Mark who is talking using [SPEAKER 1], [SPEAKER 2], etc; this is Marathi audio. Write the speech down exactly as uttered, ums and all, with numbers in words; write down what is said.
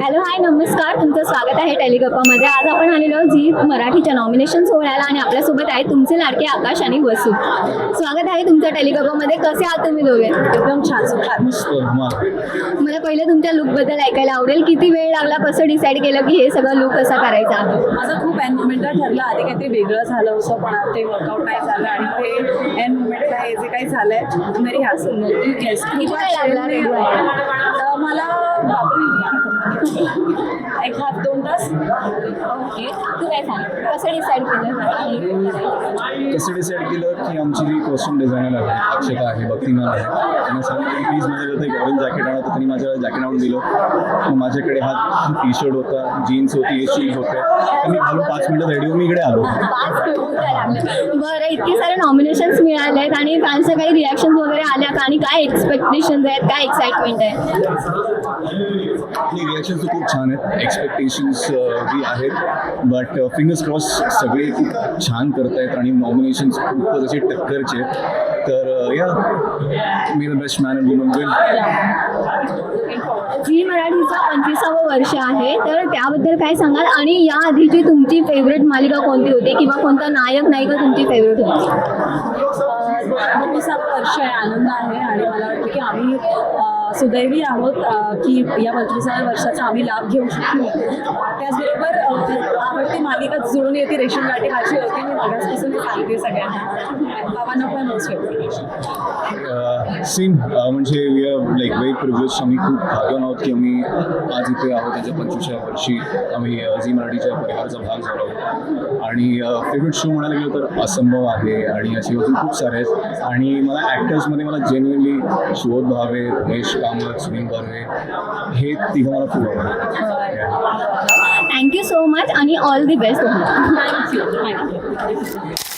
[SPEAKER 1] हॅलो हाय नमस्कार, तुमचं स्वागत आहे टेलिगप्पामध्ये. आज आपण आलेलो आहोत झी मराठीच्या नॉमिनेशन सोहळ्याला आणि आपल्यासोबत आहे तुमचे लाडके आकाश आणि वसू. स्वागत आहे तुमचं टेलिगप्पामध्ये. कसे आहात तुम्ही दोघे?
[SPEAKER 2] एकदम छान सुखात.
[SPEAKER 1] मला पहिले तुमच्या लुकबद्दल ऐकायला आवडेल. किती वेळ लागला, कसं डिसाईड केलं की हे सगळं लुक कसा करायचा?
[SPEAKER 2] माझं खूप एन मुमेंटला ठरलं. आधी काहीतरी वेगळं झालं होतं पण ते वर्कआउट नाही झालं आणि ते एन मुमेंटला हे जे काही झालंय मेरी हासन येस
[SPEAKER 1] किती वेळ लागला?
[SPEAKER 2] मला बापरे एक हात दोन तास.
[SPEAKER 1] ओके, तू काय सांग, कसं डिसाईड केलं?
[SPEAKER 3] कसं डिसाईड केलं की आमची जी कॉस्ट्युम डिझायनर आहे, अक्षता आहे, भक्तिमान आहे, त्यांना सांगितलं की प्लीज माझ्याकडे एक ऑरेंज जॅकेट आणा. तर त्यांनी माझ्याकडे जॅकेट आणून दिलं. मग माझ्याकडे हा टी शर्ट होता, जीन्स होती, हे शूज होते. तर मी घालून पाच मिनिटात रेडी होऊन मी इकडे आलो.
[SPEAKER 1] बरं, इतके सारे नॉमिनेशन्स मिळाले आहेत आणि फॅन्सचे काही रिॲक्शन वगैरे आल्या का आणि काय एक्सपेक्टेशन्स आहेत, काय एक्साइटमेंट आहे?
[SPEAKER 3] आपली रिॲक्शन्स तर खूप छान आहेत, एक्सपेक्टेशन्स बी आहेत, बट फिंगर्स क्रॉस सगळे खूप छान करत आहेत आणि नॉमिनेशन्स खूपच असे टक्करचे आहेत. तर या मी the best man and woman will.
[SPEAKER 1] Zee मराठीचं पंचवीसावं वर्ष आहे, तर त्याबद्दल काय सांगाल? आणि या आधीची तुमची फेवरेट मालिका कोणती होती किंवा कोणता नायक नायिका तुमची फेवरेट होती?
[SPEAKER 2] पंचवीसावं वर्ष आहे, आनंद आहे आणि मला वाटतं की आम्ही सुदैवी आहोत की या पंचवीसाव्या वर्षाचा आम्ही लाभ घेऊ शकतो. त्याचबरोबर आवडती मालिका जुळून येते रेशीम गाठी माझी होती. मी मागासपासून सांगते सगळ्यांना. बाबांना पण मोस्ट
[SPEAKER 3] सेम म्हणजे we are like very privilege. आम्ही खूप भाग्यवान आहोत की आम्ही आज इथे आहोत. त्याच्या पंचवीसव्या वर्षी आम्ही झी मराठीच्या परिवाराचा भाग झालो आहोत. आणि फेवरेट शो म्हणायला गेलो तर असंभव आहे आणि अशी अजून खूप सारे आहेत. आणि मला ॲक्टर्समध्ये मला जेन्युअनली सुबोध भावे, महेश कामत, सुनील बर्वे हे तिघं मला खूप आवडतात.
[SPEAKER 1] थँक्यू सो मच आणि all the best.
[SPEAKER 2] Thank you thank you